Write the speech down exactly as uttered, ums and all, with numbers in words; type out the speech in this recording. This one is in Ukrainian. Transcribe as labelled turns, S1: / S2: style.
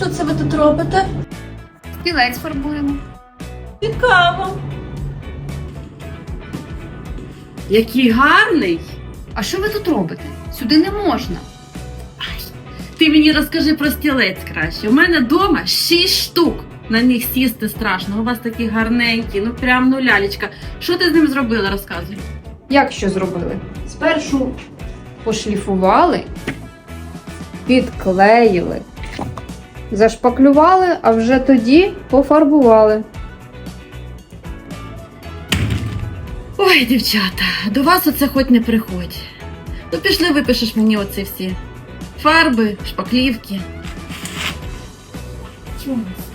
S1: Що це ви тут робите?
S2: Стілець фарбуємо.
S1: Цікаво.
S3: Який гарний!
S2: А що ви тут робите? Сюди не можна.
S3: Ти мені розкажи про стілець краще. У мене вдома шість штук. На них сісти страшно. У вас такі гарненькі, ну прям ну лялечка. Що ти з ним зробила, розказуй.
S2: Як що зробили? Спершу пошліфували, підклеїли, зашпаклювали, а вже тоді пофарбували.
S3: Ой, дівчата, до вас оце хоч не приходь. Ну пішли, випишеш мені оці всі фарби, шпаклівки.
S1: Чому?